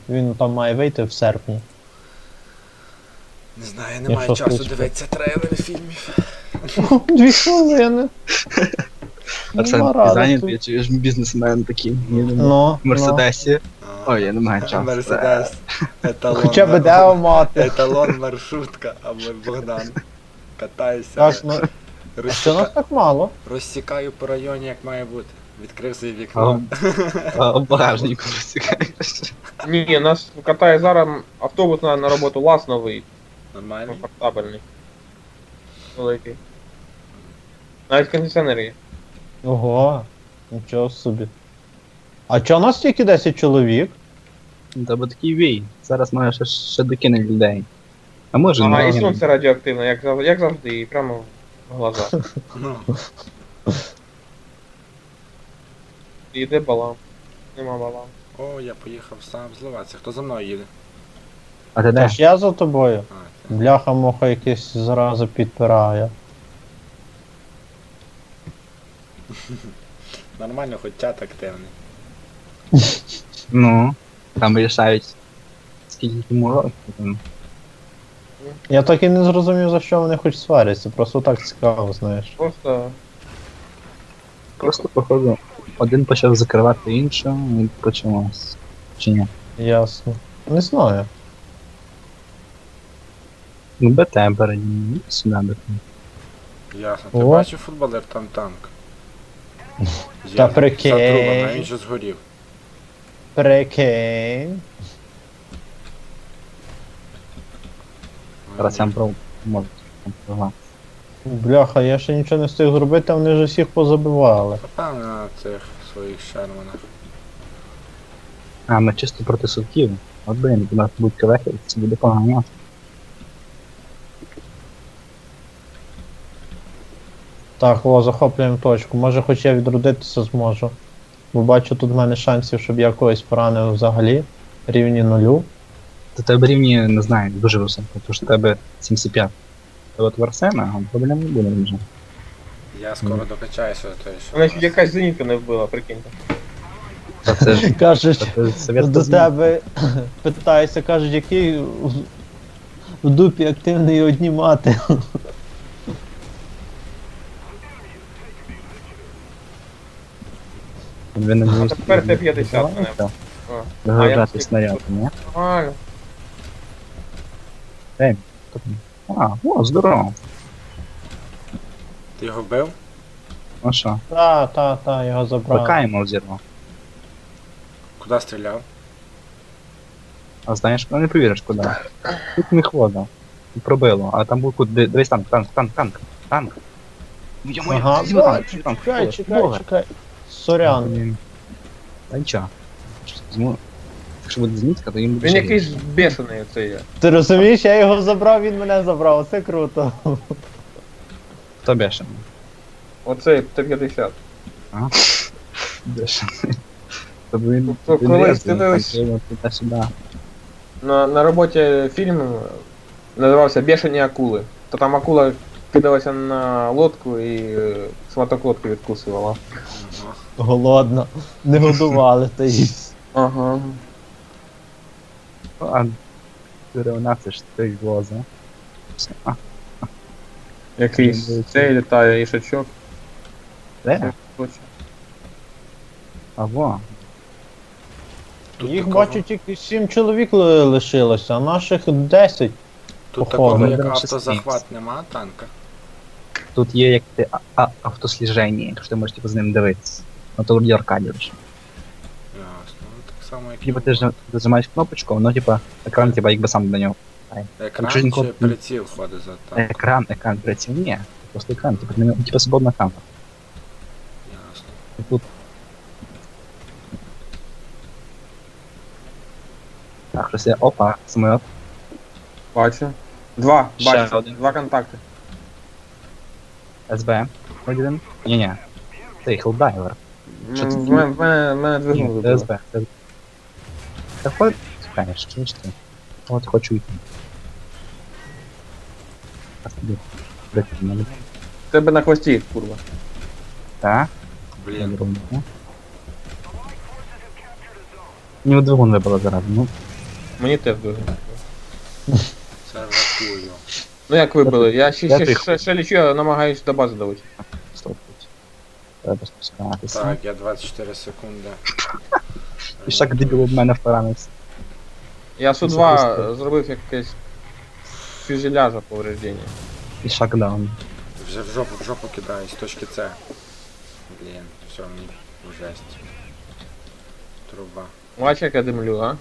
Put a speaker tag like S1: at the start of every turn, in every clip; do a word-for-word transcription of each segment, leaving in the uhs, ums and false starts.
S1: Він там має вийти в серпні.
S2: Не знаю, я не
S1: Якщо
S2: маю часу
S1: слухати.
S2: дивитися трейлери фільмів.
S1: Дві хвилини.
S3: Арсен,
S1: Нема
S3: ти
S1: радості.
S3: зайнятий, чи ж бізнесмен такий?
S1: Ну,
S3: В
S1: ну.
S3: Мерседесі. Ой, я не маю часу.
S2: Мерседес. Еталон.
S1: Хоча б де мати.
S2: Еталон, маршрутка, або Богдан. Катаюся.
S1: Так, ну, а що нас
S2: Розсіка...
S1: так мало?
S2: Розсікаю по районі, як має бути. Відкрив своє вікно.
S3: А в багажнику розсікаєш.
S4: Ні, нас катає зараз автобус на, на роботу ЛАЗ новий,
S2: Нормально?
S4: комфортабельний. Великий. Навіть кондиціонер є.
S1: Ого, нічого собі. А чого нас тільки десять чоловік?
S3: Та бо такий вій. Зараз може ще, ще докине людей. А може
S4: Ага, і
S3: не.
S4: сонце радіоактивне, як, зав- як завжди, і прямо в глаза.
S2: Ну.
S4: І йде балам. Нема балам.
S2: О, я поїхав сам зливатися. Хто за мною їде?
S3: А ти де?
S1: Та ж я за тобою.
S2: А, ти.
S1: Бляха-муха якийсь зразу підпирає.
S2: Нормально, хоч чат активний.
S3: Ну. Там вирішають. Скільки йому років там.
S1: Я так і не зрозумів, за що вони хоч сваряться, просто так цікаво, знаєш.
S4: Просто
S3: Просто походу. Один почав закривати іншого і почалось. Чи ні?
S1: Ясно. Не знаю.
S3: Ну БТ передні, сюди БТ.
S2: Ясно. Ти
S1: О.
S2: бачив футболер, там танк.
S1: Та
S2: Я
S1: прикинь.
S2: За трубами, а він же згорів.
S1: Прикинь.
S3: Зараз я про можу контролювати.
S1: Бляха, я ще нічого не встиг зробити, а вони ж усіх позабивали.
S2: Певно на цих своїх шерманах.
S3: А, ми чисто проти судків. От блин, у нас будуть кавехи, це буде погано.
S1: Так, о, захоплюємо точку. Може хоч я відродитися зможу. Бо бачу, тут в мене шансів, щоб я когось поранив взагалі. Рівні нулю.
S3: До тебе рівні, не знаю, дуже високо, тому що в тебе сімдесят п'ять. Та от в Арсена, проблем не буде вже.
S2: Я скоро докачаюся до того, що.
S4: вона чуть якась зенітка не вбила, прикиньте.
S3: Та це ж
S1: Кажуть,
S3: та це совєтська
S1: до
S3: зміна.
S1: тебе питаюся, кажуть, який в- в дупі активний одні мати.
S3: Ви не
S4: А
S3: можете
S4: тепер Т п'ятдесят мене.
S3: Так,
S4: А,
S3: вигружати
S4: я-
S3: снаряд, ні?
S4: Нормально.
S3: А, о, здорово.
S2: Ти його вбив?
S3: Ну що,
S1: Та, та, та, його забрали.
S3: ПК йому взірвав.
S2: Куди стріляв?
S3: А знаєш, ну не повіриш куди. Тут не хвода. Пробило, а там був кут, дивись танк, танк, танк, танк, танк. Йо-моє,
S1: Ага,
S3: візьми танк,
S1: бачу,
S3: візьми танк,
S1: чекай,
S3: Боже,
S1: чекай,
S3: Боже.
S1: чекай. Сорян.
S3: Блін. Та нічого. Візьму. Якщо буде змітка, то їм буде
S4: Він
S3: ще
S4: якийсь
S3: гірше.
S4: бешений цей є.
S1: Ти розумієш, я його забрав, він мене забрав, це круто.
S3: Хто бешений?
S4: Оцей Т п'ятдесят.
S3: Бешений. Тобто він...
S4: Тобто
S3: він
S4: колись
S3: різний,
S4: дивились-
S3: там його туди-сюди.
S4: На, на роботі фільм називався Бешені акули. То там акула кидалася на лодку і е, шматок лодки відкусувала.
S2: Ага.
S1: Голодно. Не годували та їсть.
S4: Ага.
S3: А деревна це ж той воза. А,
S4: Якийсь
S3: Він
S4: цей літає ішачок.
S3: де?
S4: Точно.
S3: А во.
S2: Тут
S1: Їх
S2: такого-
S1: бачу тільки сім чоловік ли- лишилося, а наших десять.
S2: Тут
S1: походу.
S2: такого як
S3: Ми беремо
S2: автозахват
S3: шістнадцять.
S2: нема танка.
S3: Тут є як ти а, а, автосліження, якщо ти можеш типу, з ним дивитися. Ну то вроді Аркадіо ж.
S2: Ясно. Ну, так само як.
S3: Типа ти ж зажимаєш кнопочку, воно типа екран типа якби сам до нього.
S2: Екран
S3: Якщо він
S2: чи
S3: коп-
S2: приціл ходить за танком?
S3: Екран, екран приціл, ні. Просто екран, типа, ти не- типа свободна камера.
S2: Ясно.
S3: І тут. Так, щось я. Опа, самоліт.
S4: Бачу. Два,
S3: Ще
S4: бачу.
S3: один.
S4: Два контакти.
S3: СБ. Вроді один. Ні-ні. Це Хелдайвер. Що це
S4: М, В мене, в мене, в мене двигун
S3: Ні,
S4: вибило.
S3: СБ. Та хоч. Чекаєш, чуєш ти? От хочу йти. Зараз тобі. Дайте мене.
S4: В тебе на хвості, курва.
S3: Так. Я
S2: Блін.
S3: беру. Мені двигун вибило зараз, ну.
S4: Мені теж дуже.
S2: Це рахую.
S4: Ну як вибили? Я ще,
S3: Я
S4: ще,
S3: тихо.
S4: ще, ще лічу, я намагаюсь до бази давити.
S3: Стоп. Треба спускатися.
S2: Так, я двадцять чотири секунди.
S3: І шаг дебіл в мене впоранився.
S4: Я Су два зробив якесь фюзеляжа повреждення.
S3: І шакдаун.
S2: Вже в жопу, в жопу кидаю, з точки С. Блін, все, мені жесть. Труба.
S4: Бач, як я димлю, а?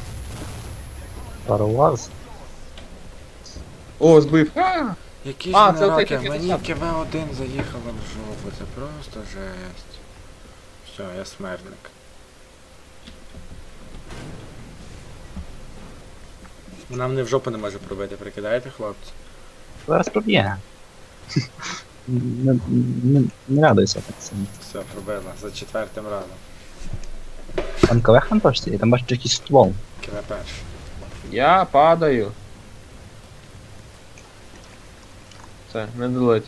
S3: Пароваз.
S4: О, збив. А!
S2: Які
S4: А,
S2: ж
S4: це
S2: раки,
S4: отакі
S2: мені
S4: п'ятдесят.
S2: КВ один заїхало в жопу, це просто жесть. Все, я смертник. Вона мене в жопу не може пробити, прикидаєте, хлопці?
S3: Зараз проб'є. Не, не, не радуйся так сильно.
S2: Все, пробила, за четвертим разом.
S3: Там КВ хантошці, і там бачиш якийсь ствол.
S2: КВ перший.
S4: Я падаю. Все, не долеть.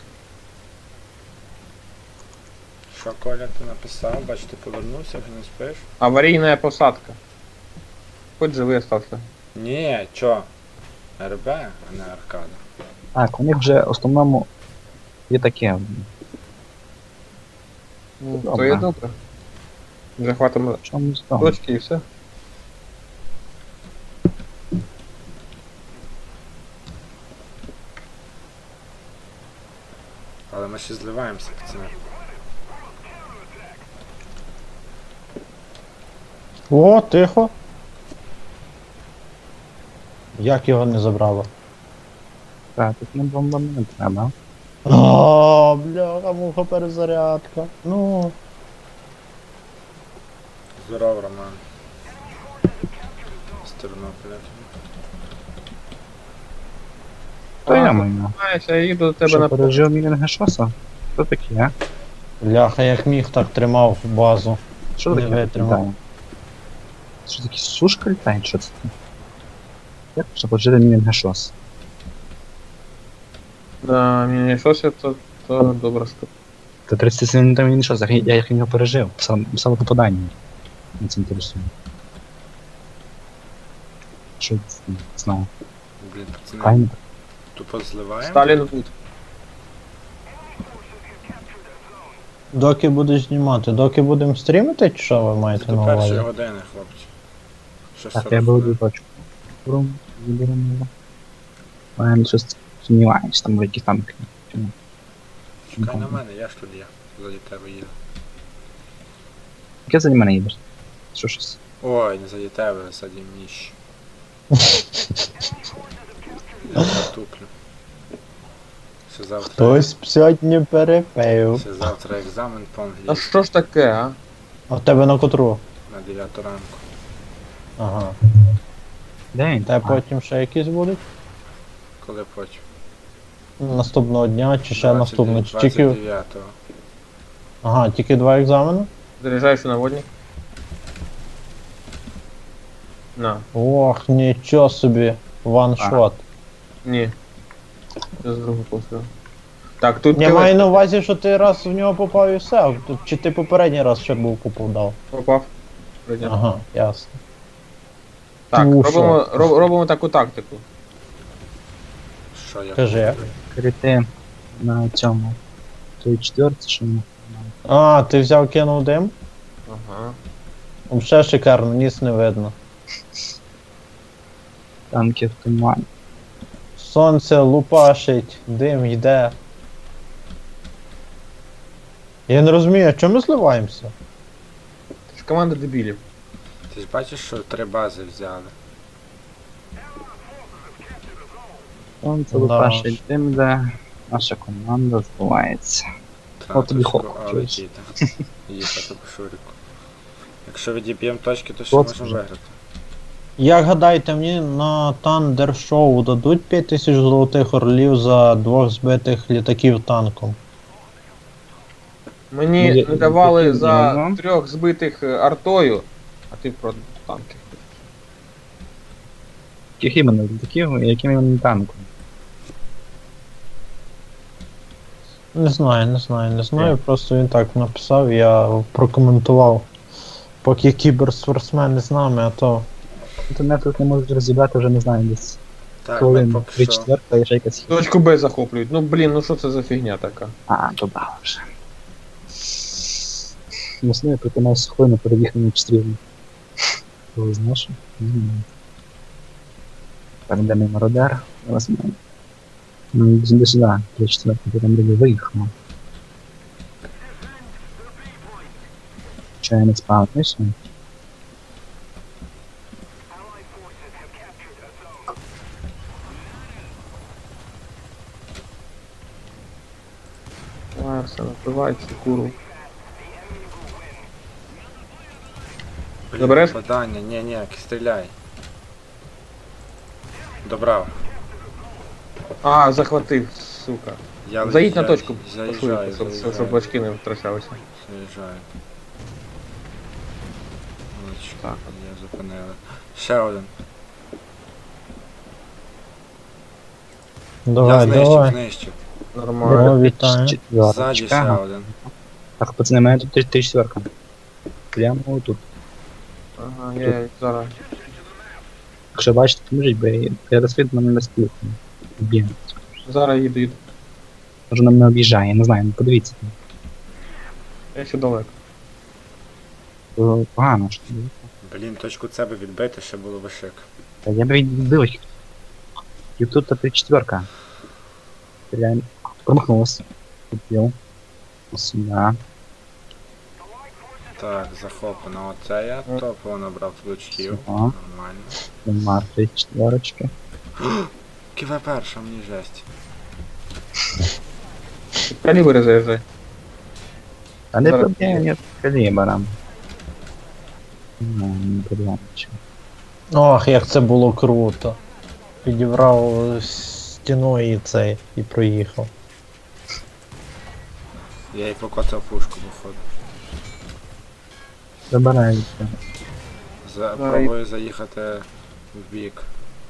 S2: Що, Коля, ти написав? Бач, ти повернувся, вже не спиш?
S4: Аварийная посадка. Хоть живый остался.
S2: Ні, чо? РБ, а не аркада.
S3: Так, у них вже в основному є таке.
S4: Ну,
S3: Добре.
S4: то є добре. Захватом
S3: В чому з того?
S4: точки і все.
S2: Але ми ще зливаємося, пацани.
S1: О, тихо. Як його не забрало?
S3: Так, тут не бомба не треба.
S1: О, бляха, муха перезарядка. Ну.
S2: Здоров, Роман. З Тернополя.
S3: То я маю.
S4: Знаєш, я їду до тебе
S3: Що,
S4: на
S3: пережив мілінга шоса? Що таке, а?
S1: Бляха, як міг, так тримав базу.
S3: Що
S1: Не
S3: таке
S1: витримав.
S3: літає? Що таке сушка літає? Що це? Як можна пожити мілінга шос?
S4: Да, мені щось то, то добре штука.
S3: Та тридцять сім минут мілінга шос, я як його пережив. Сам, саме попадання. Мені це інтересує. Що це? Не знаю.
S2: Блін, пацани,
S3: Кайна.
S2: тупо зливаємо.
S4: Сталін Вуд.
S1: Доки будеш знімати? Доки будемо стрімити, чи що ви
S2: Це
S1: маєте
S2: до
S1: на
S2: першої
S1: увазі?
S2: години, хлопці. Ще
S3: Так,
S2: сорок
S3: я буду
S2: хвилин.
S3: точку. Брум, заберемо його. Мене щось сумніваюсь, там якісь танки. Чому?
S2: Чекай на мене, я ж тут є. Заді тебе їду.
S3: Яке за мене їдеш? Що щось?
S2: Ой, не заді тебе, заді міщ. Я затуплю. Ще завтра.
S1: Хтось сьогодні перепив.
S2: Ще завтра екзамен по
S4: А
S2: англійськи
S4: що ж таке, а?
S1: А в тебе на котру?
S2: на дев'яту ранку.
S1: Ага.
S3: Де він?
S1: Та потім ще якісь будуть?
S2: Коли потім?
S1: Наступного дня чи ще наступного? Чи
S2: двадцять
S1: тільки...
S2: дев'ятого.
S1: Ага, тільки два екзамени?
S4: Заряджаєш наводник? На.
S1: Ох, нічого собі. Ваншот.
S4: Ні. Я з другого пострілу. Так, тут
S1: Я
S4: КВ
S1: маю на увазі, що ти раз в нього попав і все. Тут- Чи ти попередній раз ще був попадав?
S4: попав. Прийняв.
S1: Ага, ясно.
S4: Так,
S1: Туша.
S4: робимо, роб- робимо таку тактику.
S2: Що я?
S1: Кажи.
S3: Крити на цьому. Той четвертий, що ми.
S1: А, ти взяв кинув дим?
S4: Ага.
S1: Взагалі шикарно, ніс не видно.
S3: Танки в тумані.
S1: Сонце лупашить, дим йде. Я не розумію, а чому ми зливаємося?
S4: Це ж команда дебілів.
S2: Ти ж бачиш, що три бази взяли.
S3: Сонце
S1: Да.
S3: лупашить тим, де наша команда збувається.
S2: Треба
S3: От тобі
S2: точку
S3: хоп,
S2: А
S3: чуєш?
S2: летіти. Їхати по шурику. Якщо відіб'ємо точки, то ще
S3: От
S2: можемо
S3: вже.
S2: виграти.
S1: Як гадаєте, мені на Thunder Show дадуть п'ять тисяч золотих орлів за двох збитих літаків танком?
S4: Мені
S3: Ну, я-
S4: не давали
S3: я-
S4: за
S3: я-
S4: трьох збитих е, артою, а ти про танки.
S3: Яких іменно літаків, яким іменно танком?
S1: Не знаю, не знаю, не знаю. Просто він так написав, я прокоментував. Поки кіберспортсмени з нами, а то
S3: Інтернет тут не можуть розібрати вже не знаю, десь
S2: Так, ми
S3: хвилин
S2: поки
S3: три
S2: що.
S3: четверта і ще якась.
S4: Точку Б захоплюють. Ну блін, ну що це за фігня така?
S3: А, добавив вже. Мусили проти нас хвилину перебігти на стрільну. Коли знаєш? М. Так, де мій мародер? Зараз ми. Ну, до сюди, три четверта, ти там люди виїхав. Чи я не спавнився?
S4: Давай, все, напивай цю куру.
S2: Блін,
S4: Забереш?
S2: попадання, ні, ні, стріляй. Добрав.
S4: А, захватив, сука.
S2: Я
S4: Заїдь на
S2: я-
S4: точку,
S2: Заїжджаю,
S4: пошвидше, щоб, щоб, щоб
S2: заїжджаю.
S4: бачки не втрачалися.
S2: Заїжджаю. Ось,
S4: Так.
S2: я зупинили. Ще один. я
S1: Давай,
S2: знищив,
S1: давай.
S2: знищив.
S4: Нормально.
S1: О, вітаю.
S2: Ззаді ще
S3: Четверточка.
S2: один.
S3: Так, пацани, мене тут три четверка. Прямо тут.
S4: Ага, я зараз.
S3: Якщо бачите, поможіть, бо я, я розслід мене не спілку. Б'є.
S4: Зараз їду, їду.
S3: Може нам не об'їжджає, не знаю, ну подивіться.
S4: Я ще далеко.
S3: То погано що.
S2: Блін, точку С би відбити, ще було би шик.
S3: Та я б відбив. І тут та три четверка. Стріляємо. Промахнулась. Купив. Сюда.
S2: Так, захоплено. Оце я топово набрав лучків.
S3: Ага.
S2: Нормально.
S3: Нема три четверочки.
S2: Ківе перша, мені жесть.
S4: Калібри заїжджай.
S3: А не
S4: Зараз
S3: проблема, нет калібра. Ну, не проблема. нічого.
S1: Ох, як це було круто. Підібрав стіною і цей, і проїхав.
S2: Я їй покоцав пушку, походу.
S3: Забирається.
S2: За...
S4: Давай.
S2: Пробую заїхати в бік.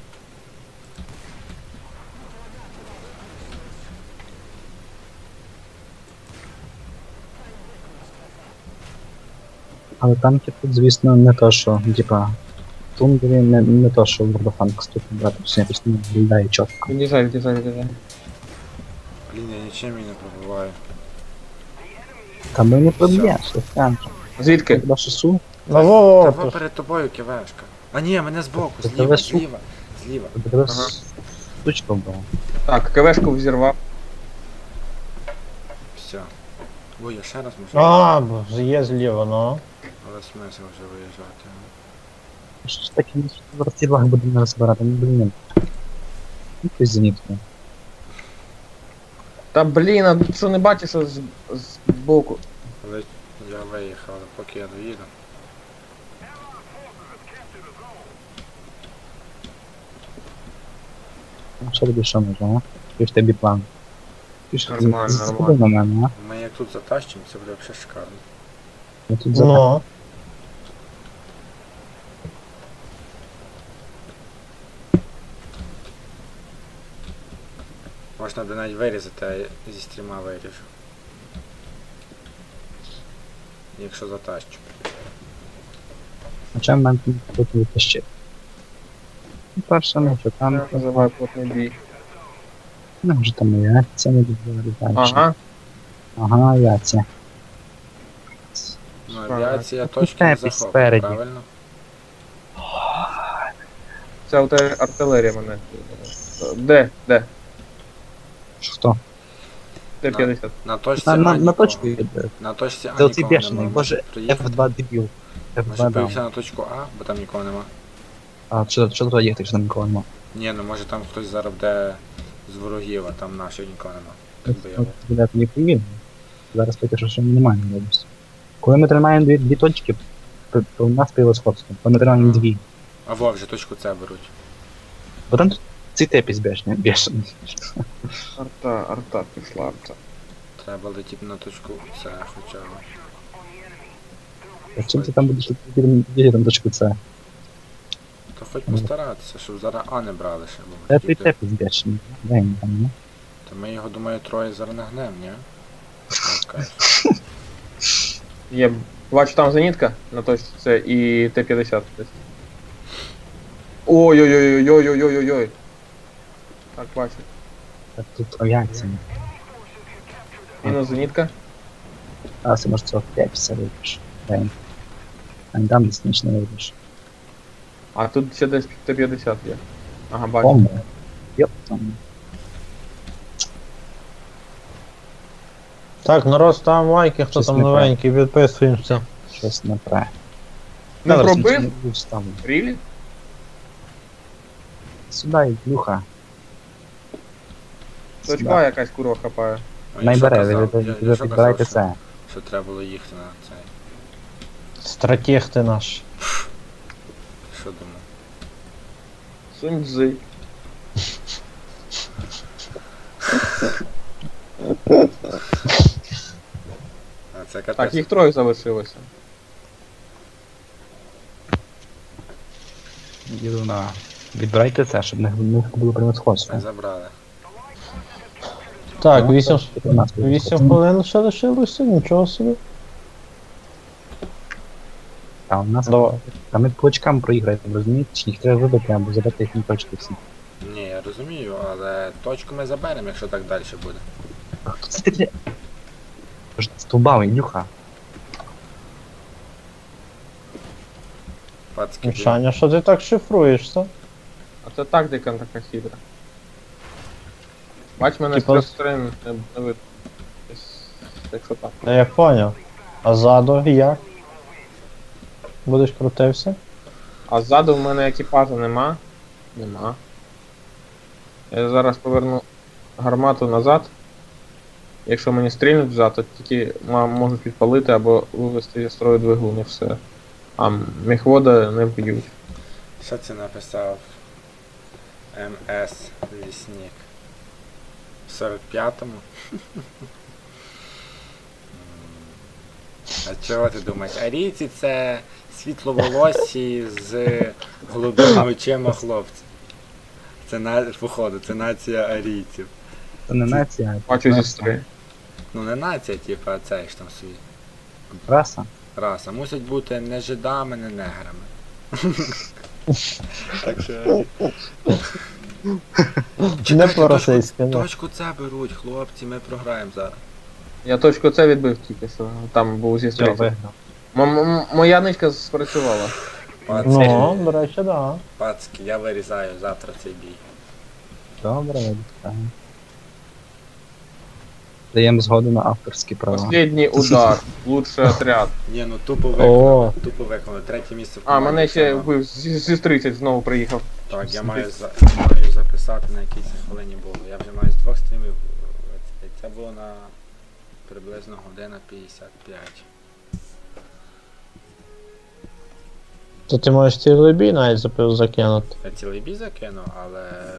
S3: Але танки тут, звісно, не то, що, типа, тундрі не, не то, що в World of Tanks тут брати, все якось не виглядає чітко.
S4: Від'їжджай, від'їжджай, від'їжджай.
S2: Блін, я нічим її не пробиваю.
S3: Та ми не проб'єш, що танки.
S4: Звідки?
S3: Хіба що су?
S1: Ну во,
S2: Та
S1: во,
S2: во перед тобою ківешка. А ні, мене збоку,
S3: Та
S2: зліва,
S3: тебе су-
S2: зліва, зліва.
S3: Тобі тебе
S4: Ага.
S3: штучка була.
S4: Так, КВшку взірвав.
S2: Все. Ой, я ще раз можу.
S1: А, бо ж є зліва, ну.
S2: Але смисл вже виїжджати.
S3: Що ж таке, ми в розстрілах будемо розбирати, ну блін. Ну ти зенітку.
S4: Та блін, а тут що не бачиш, що з, з боку.
S2: Але я виїхав, але поки я доїду.
S3: Ну що тобі що може, а? Який ж тобі план? Ти ж
S4: Нормально,
S3: заходи на мене, а?
S2: Ми як тут затащимо, це буде взагалі шикарно.
S3: Я тут за
S1: Ну.
S2: Можна буде навіть вирізати, а я зі стріма виріжу. Якщо затащу.
S3: Хоча в мене тут витащити. Ну, перше, ну що там,
S4: Я називаю плотний бій.
S3: ну вже там яйця не добре далі.
S4: Ага.
S3: Ага, яйця.
S2: Ну,
S4: Ага.
S2: авіація точки не
S3: Тепі
S2: захоплена,
S3: спереді.
S2: правильно?
S4: Це у тебе артилерія мене. Де? Де?
S3: Хто?
S4: Де
S2: На.
S4: п'ятдесят?
S2: На точці
S3: На, на,
S2: А
S3: на
S2: нікого.
S3: точку йде.
S2: На точці А
S3: Це оцей
S2: нікого
S3: бешений,
S2: нема.
S3: боже,
S2: Може приїхати?
S3: еф два дебіл. еф
S2: Може
S3: два
S2: поїхати
S3: дав.
S2: на точку А, бо там нікого нема.
S3: А що, що туди їхати, якщо там нікого нема?
S2: Ні, ну може там хтось зараз буде з ворогів, а там наших нікого нема. Так би я
S3: От, туди не повільно. Зараз поки що ще немає можливості. Коли ми тримаємо дві, дві точки, то, то у нас превосходство. Коли ми тримаємо дві.
S2: А во, вже точку С беруть.
S3: Бо там тут цей тепіс бешений. бешений.
S4: Арта, арта пішла, арта.
S2: Треба летіти на точку С хоча б.
S3: А чим ти там будеш летіти там точку С?
S2: То хоч постаратися, щоб зараз А не брали ще, бо
S3: Це
S2: ми
S3: той
S2: тоді-
S3: тепіс бешений. Дай мені там, ну.
S2: То ми його, думаю, троє зараз нагнем, ні? Окей.
S4: Є, бачу там зенітка на точці С і Т п'ятдесят десь. Ой-ой-ой-ой-ой-ой-ой-ой. Так, бачу.
S3: Так тут авіація.
S4: Мінус зенітка.
S3: А, ти може сорок п'ять все вийдеш. День. А не там десь ніч не вийдеш.
S4: А тут ще десь Т п'ятдесят є. Ага, бачу.
S3: Бомба. Йоп, там.
S1: Так, народ, ставимо лайки, хто
S3: Щось
S1: там
S3: не так.
S1: новенький, підписуємося.
S3: Щось не пре.
S4: Не
S3: Зараз
S4: пробив?
S3: ніч не буду ставити.
S4: Рілі?
S3: Сюди, Ілюха.
S4: Точка якась курва хапає.
S2: А я
S3: Найбере,
S2: що
S3: ви
S2: казав?
S3: ви-
S2: Я-
S3: ви
S2: я що
S3: підбирайте
S2: казав,
S3: це.
S2: Що, що треба було їхати на цей.
S1: Стратег ти наш.
S2: Що думав?
S4: Сунь Цзи.
S2: А це
S4: Так,
S2: капець.
S4: їх троє залишилося.
S3: Їду на... Відбирайте це, щоб не, не було превосходство.
S2: Це забрали.
S1: Так,
S3: Ну,
S1: вісім
S3: чотирнадцять
S1: вісім
S3: превосходство.
S1: хвилин ще лишилося, нічого собі.
S3: А у нас...
S1: Давай.
S3: А ми по очкам проіграємо, розумієте? Чи їх треба вибити або забити їхні точки всі.
S2: Ні, я розумію, але точку ми заберемо, якщо так далі буде.
S3: А хто це таке? Тож стовбав, Ілюха.
S2: Пацки,
S1: Мішаня, що ти так шифруєшся?
S4: А це тактика така хитра. Бач, мене з
S1: Типа-
S4: трьох сторон не не видно. Десь, якщо так.
S1: Та я поняв. А ззаду як? Будеш крутився?
S4: А ззаду в мене екіпажа нема. Нема. Я зараз поверну гармату назад. Якщо мені стрільнуть взад, то тільки ма- можуть підпалити або вивести зі строю двигун і все. А міхвода не вб'ють.
S2: що це написав? Ем Ес Лісник. В сорок п'ятому? А чого ти думаєш? Арійці це світловолосі з голубими очима хлопці. Це на, походу, це нація арійців.
S3: Це не нація, а
S4: Бачу зі
S3: раса.
S4: строї.
S2: Ну не нація, типу, а цей ж там свій.
S3: Раса.
S2: Раса. Мусять бути не жидами, не неграми. Так що.
S1: Не
S2: Чекайте,
S1: по-російськи, ну.
S2: Точку це беруть, хлопці, ми програємо зараз.
S4: Я точку це відбив тільки що. Там був зі
S1: Я
S4: строї.
S1: виграв.
S4: М- м- Моя ничка спрацювала.
S2: Пацки,
S1: Ну, до речі, так. Да.
S2: пацки, я вирізаю завтра цей бій.
S3: Добре, відправимо. Даємо згоду на авторські права.
S4: Последній удар. Лучший отряд.
S2: Ні, ну тупо
S1: О.
S2: виконали, тупо виконали. Третє місце в
S4: А,
S2: команді.
S4: мене ще
S2: займав.
S4: вбив зі зі тридцять знову приїхав.
S2: Так, я маю, за... маю записати на якій це хвилині було. Я вже маю з двох стрімів. е, Це було на приблизно година п'ятдесят п'ять.
S1: То ти можеш цілий бій навіть запив закинути.
S2: Я цілий бій закинув, але